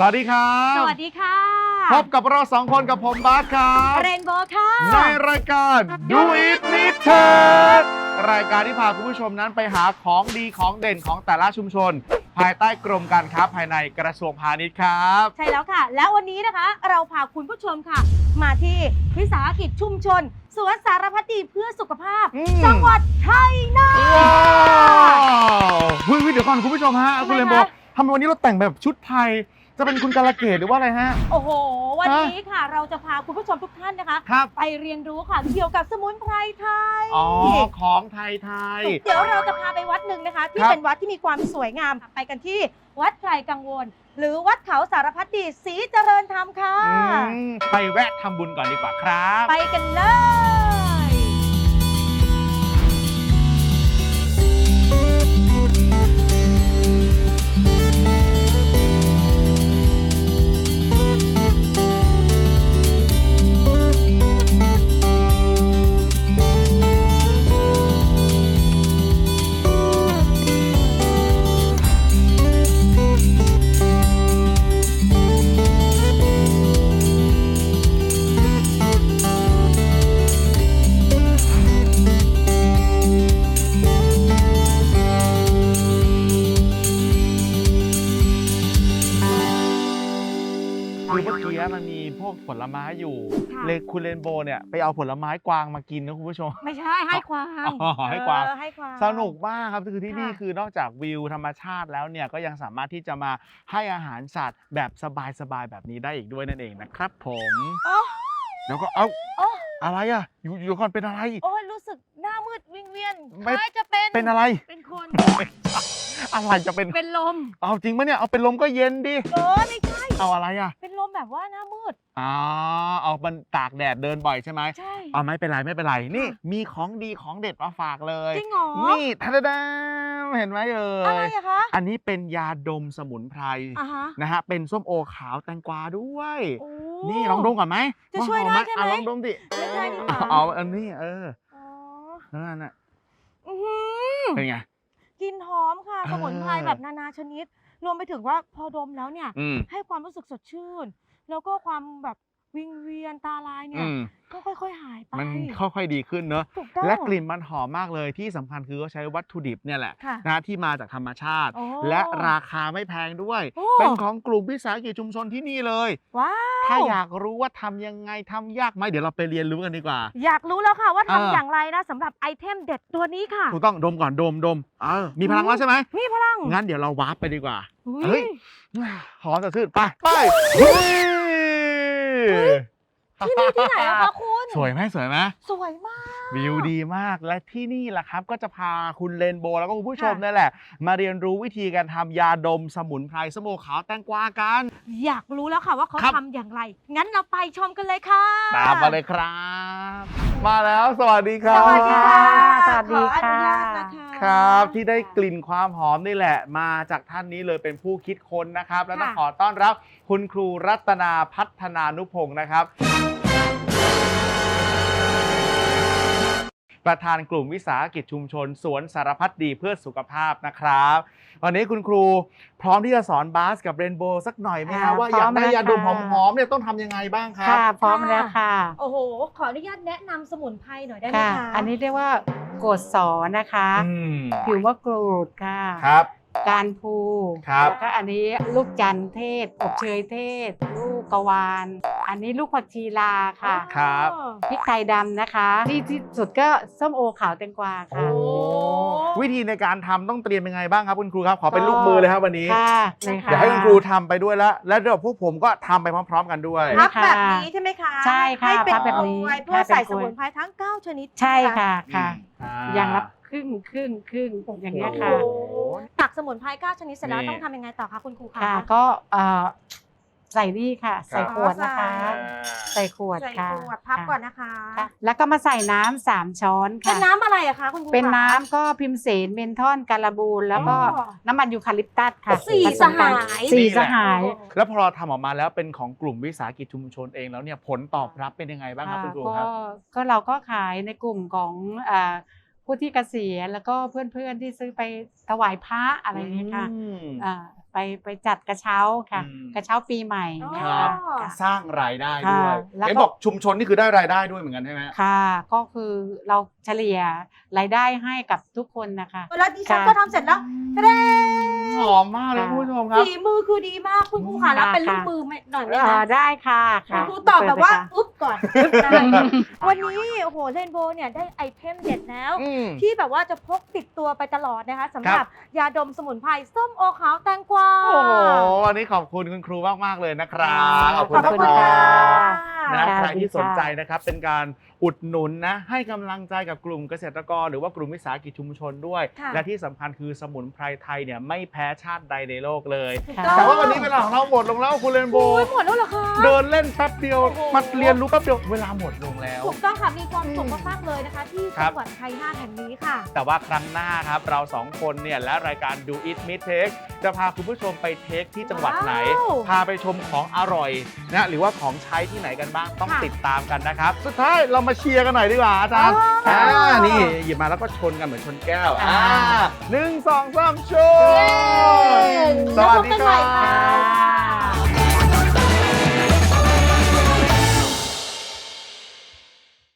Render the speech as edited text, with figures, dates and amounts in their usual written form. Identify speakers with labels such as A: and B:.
A: สวัสดีครับ
B: สวัสดีค่ะ
A: พบกับเรา2 คนกับผมบาสครับ
B: เรนโบว์ค่ะ
A: ในรายการ Do It Need t e c รายการที่พาคุณผู้ชมนั้นไปหาของดีของเด่นของแต่ละชุมชน ภายใต้กรมการค้าภายในกระทรวงพาณิชย์ครับ
B: ใช่แล้วค่ะแล้ววันนี้นะคะเราพาคุณผู้ชมค่ะมาที่วิสาหกิจชุมชนสวนสารพัดดีเพื่อสุขภาพจังหวัดชัยนาท
A: ว้าวเดี๋ยวก่อนคุณผู้ชมฮะคุณเรนโบว์ทำไมวันนี้เราแต่งแบบชุดไทยจะเป็นคุณกาลเกตหรือว่าอะไรฮะ
B: โอ้โหวันนี้ค่ะเราจะพาคุณผู้ชมทุกท่านนะคะไปเรียนรู้ค่ะเกี่ยวกับสมุนไพรไทย
A: ของไทย
B: เดี๋ยวเราจะพาไปวัดหนึ่งนะคะที่เป็นวัดที่มีความสวยงามไปกันที่วัดไพรกังวลหรือวัดเขาสารพัดดีศรีเจริญธรรมค่ะ
A: ไปแวะทำบุญก่อนดีกว่าครับ
B: ไปกันเลย
A: คือเมื่อกี้มันมีพวกผลไม้อยู่เลยคุณเรนโบว์เนี่ยไปเอาผลไม้กวางมากินนะคุณผู้ชม
B: ไม่ใช่ให้ควาง
A: ให้กวางสนุก
B: ม
A: มากครับคือที่นี่คือนอกจากวิวธรรมชาติแล้วเนี่ยก็ยังสามารถที่จะมาให้อาหารสัตว์แบบสบายๆแบบนี้ได้อีกด้วยนั่นเองนะครับผมแล้วก็อะไรอ่ะอยู่ก่อนเป็นอะไร
B: โอ้ยรู้สึกหน้ามืดวิงเวียนคล้ายจะ
A: เป็นอะไร
B: เป็นคน
A: อะไรจะเป็น
B: ลม
A: เอาจริงปะเนี่ยเอาเป็นลมก็เย็นดิ
B: ไม่ใช่
A: เอาอะไรอ่ะ
B: เป็นลมแบบว่าหน้ามืด
A: เอามันตากแดดเดินบ่อยใช่ไหม
B: ใช่
A: ไม่เป็นไรนี่มีของดีของเด็ดมาฝากเลย
B: จริงเหรอ
A: นี่ทัดดาเห็นไหม
B: อะไรอะคะ
A: อันนี้เป็นยาดมสมุนไพรนะฮะเป็นส้มโอขาวแตงกวาด้วยนี่ลองดมก่อนไหม
B: จะช่วยได้ใช่ไหม
A: ลองดมดิ
B: ไม่ใช่ดิ
A: เอาอันนี้นั่นน่ะเป็นไง
B: กลิ่นหอมค่ะสมุนไพรแบบนานาชนิดรวมไปถึงว่าพอดมแล้วเนี่ยให้ความรู้สึกสดชื่นแล้วก็ความแบบวิงเวียนตาลายเนี่ยก็ค่อยๆหายไป
A: มันค่อยๆดีขึ้นเนอะและกลิ่นมันหอมมากเลยที่สำคัญคือเขาใช้วัตถุดิบเนี่ยแหละนะที่มาจากธรรมชาติและราคาไม่แพงด้วยเป็นของกลุ่มวิสาหกิจชุมชนที่นี่เลย
B: ว้าว
A: ถ้าอยากรู้ว่าทำยังไงทำยากไหมเดี๋ยวเราไปเรียนรู้กันดีกว่า
B: อยากรู้แล้วค่ะว่าทำอย่างไรนะสำหรับไอเทมเด็ดตัวนี้ค่ะ
A: ถูกต้องดมก่อนดมมีพลังแล้วใช่ไหม
B: มีพลัง
A: งั้นเดี๋ยวเราวาร์ปไปดีกว่าเฮ้ยหอมสดชื่นไป
B: ที่นี่ที่ไหนอะคะคุณ
A: สวยไหม
B: สวยมาก
A: วิวดีมากและที่นี่แหละครับก็จะพาคุณเรนโบว์แล้วก็คุณผู้ชมนี่แหละมาเรียนรู้วิธีการทำยาดมสมุนไพรส้มโอขาวแตงกวากัน
B: อยากรู้แล้วค่ะว่าเขาทำอย่างไรงั้นเราไปชมกันเลยค่ะ
A: ตามมาเลยครับมาแล้วสวัสดีครับ
B: สวัสดีค่ะ
C: สวัสดีค่ะ
A: ครับที่ได้กลิ่นความหอมนี่แหละมาจากท่านนี้เลยเป็นผู้คิดค้นนะครับและต้องขอต้อนรับคุณครูรัตนาพัฒนานุพงศ์นะครับประธานกลุ่มวิสาหกิจชุมชนสวนสารพัดดีเพื่อสุขภาพนะครับวันนี้คุณครูพร้อมที่จะสอนบาสกับเรนโบว์สักหน่อยไหมครับว่าอยากได้ยาดมหอมๆเนี่ยต้องทำยังไงบ้างครับ
C: ค่ะพร้อมแล้วค่ะ
B: โอ้โหขออนุญาตแนะนำสมุนไพรหน่อยได้ไหมคะ
C: อันนี้เรียกว่าโกศสนะคะผิวมะกรูดค่ะ
A: ครับ
C: การพูแล้วก็อันนี้ลูกจันเทศอบเชยเทศลูกกวานอันนี้ลูกผักชีลาค่ะ
A: ครับ
C: พริกไทยดำนะคะที่สุดก็ส้มโอขาวแตงกวาค่ะ
A: วิธีในการทำต้องเตรียมยังไงบ้างครับคุณครูครับขอเป็นลูกมือเลยครับวันนี้เดี๋ยวให้คุณครูทำไปด้วยแล้วเดี๋ยวพวกผมก็ทำไปพร้อมๆกันด้วย
B: พับแบบนี้ใช่ไหมคะ
C: ใช่ค่ะ
B: ให้เป็น
C: แบบนี้
B: เพื่อใส่สมุนไพรทั้ง9ชนิด
C: ใช่ค่ะอย่างละครึ่งอย่างเงี้ยค่ะ
B: ตักสมุนไพร9ชนิดเสร็จแล้วต้องทำยังไงต่อคะคุณครูคะ
C: ก็ใส่นี่ค่ะใส่ขวดนะคะใส่ขวดค่ะ
B: พับก่อนนะคะ
C: แล้วก็มาใส่น้ำ3 ช้อนค่ะ
B: เป็นน้ำอะไรอะคะคุณครู
C: เป็นน้ำก็พิมเสนเมนทอนการบูนแล้วก็น้ำมันยูคาลิปตัสค่ะ
B: 4 สหาย
A: แล้วพอเราทำออกมาแล้วเป็นของกลุ่มวิสาหกิจชุมชนเองแล้วเนี่ยผลตอบรับเป็นยังไงบ้างครับคุณครูครับ
C: ก็เราก็ขายในกลุ่มของผู้ที่เกษียณแล้วก็เพื่อนๆที่ซื้อไปถวายพระอะไรอย่างเงี้ยค่ะไปจัดกระเช้าค่ะ
A: อืม
C: กระเช้าปีใหม่
A: ครับ
C: ค่ะ
A: สร้างรายได้ด้วย
C: ค่ะแล้วก็
A: เห็นบอกชุมชนนี่คือได้รายได้ด้วยเหมือนกันใช่ไหม
C: ค่ะ ก็คือเราเฉลี่ยรายได้ให้กับทุกคนนะคะ
B: แล้วดิฉัน
C: ค่ะ
B: ก็ทำเสร็จแล้วเด้
A: หอมมากเลยคุณผู้ชมครับ
B: ฝีมือคือดีมากคุณครูค่ะแล้วเป็นลูก
C: ค่ะ
B: มือหน่อยไหมคะ
C: ได้ค่ะค่ะ
B: ครูตอบแบบว่า
C: เปิดเลยค่ะ
B: อุ๊บก่อนวันนี้โอ้โหเรนโบว์เนี่ยได้ไอเทมเด็ดแล้ว
A: อืม
B: ที่แบบว่าจะพกติดตัวไปตลอดนะคะสำห
A: ครั
B: รับบ ยาดมสมุนไพรส้มโอขาวแตงกวา
A: โอ้โหวันนี้ขอบคุณคุณครูมากๆเลยนะครับขอบคุณ
B: ขอบ
A: นะ
B: คุณ
A: ค
B: ค่ะ
A: รับนะ
C: ค่ะ
A: ใครที่สนใจ
C: ดีค่ะ
A: นะครับเป็นการอุดหนุนนะให้กำลังใจกับกลุ่มเกษตรกร หรือว่ากลุ่มวิสาหกิจชุมชนด้วย
B: ค่ะ
A: และที่สำคัญคือสมุนไพรไทยเนี่ยไม่แพ้ชาติใดในโลกเลย
B: ถูก
C: ค่ะ
B: ต้อง
A: แต่ว่าวันนี้เวลาของเราหมดลงแล้วคุณเรนโบ
B: โอ้ย
A: ว์
B: หมดแล้วเหรอคะ
A: เดินเล่นแป๊บเดียว
B: โอ้โห
A: มาเรียนรู้แป๊บเดียวเวลาหมดลงแล้ว
B: ถูกต้องค่ะมีความสุข
A: อืม
B: มากๆเลยนะคะ ที่
A: ครั
B: จั
A: บ
B: งหวัดชัยนาทแห่งนี้ค่ะ
A: แต่ว่าครั้งหน้าครับเราสองคนเนี่ยและรายการ Do It Meet Take จะพาคุณผู้ชมไปเทคที่จังหวัดไหน
B: ว้าว
A: พาไปชมของอร่อยนะหรือว่าของใช้ที่ไหนกันบ้างต้อง
B: ค่ะ
A: ติดตามกันนะครับ สุดท้ายเรามาเชียร์กันหน่อยดีกว่าอาจารย์
B: อ๋อ
A: นี่หยิบมาแล้วก็ชนกันเหมือนชนแก้ว
C: อ่า
A: 1 2 3ชน
B: เย้
A: สวัสดี
B: แล้วพบกันใหม่
A: ครั
B: ค่ะ
A: บ